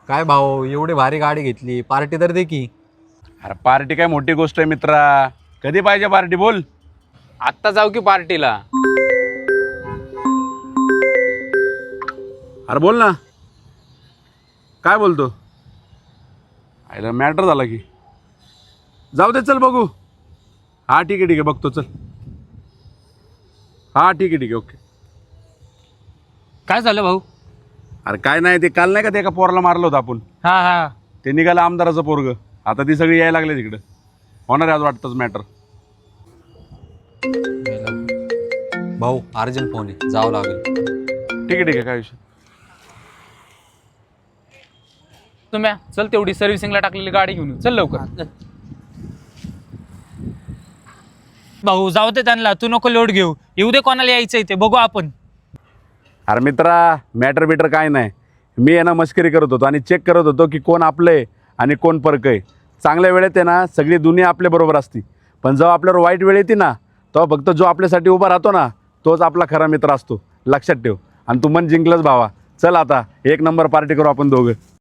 काय भाऊ एवढी भारी गाडी घेतली, पार्टी तर दे की. अरे पार्टी काय मोठी गोष्ट आहे मित्रा. कधी पाहिजे पार्टी बोल. आत्ता जाऊ की पार्टीला? अरे बोल ना. काय बोलतो? आयला मॅटर झाला की. जाऊ दे चल बघू. हा ठीक आहे बघतो चल. हा ठीक आहे ओके. काय झालं भाऊ? अरे काय नाही ते काल नाही का ते एका पोराला मारलं होतं आपण. हा हा. ते निघालं आमदाराचं पोरग. आता ती सगळी यायला लागले तिकडं. होणार आज वाटतंच मॅटर. भाऊ अर्जंट फोन आहे, जावं लागेल. ठीक आहे काय विषय. तुम्ही चल तेवढी सर्व्हिसिंगला टाकलेली गाडी घेऊन येऊ. चल लवकर. भाऊ जाऊ दे त्यांना, तू नको लोड घेऊ. येऊ दे कोणाला यायचंय ते बघू आपण. अरे मित्रा मॅटर बिटर काय नाही. मी आहे ना मस्करी करत होतो आणि चेक करत होतो की कोण आपलं आहे आणि कोण परक आहे. चांगल्या वेळेत आहे ना सगळी दुनिया आपल्याबरोबर असती, पण जेव्हा आपल्यावर वाईट वेळ येते ना तेव्हा फक्त जो आपल्यासाठी उभा राहतो ना तोच आपला खरा मित्र असतो. लक्षात ठेव. आणि तू मन जिंकलंच भावा. चल आता एक नंबर पार्टी करू आपण दोघं.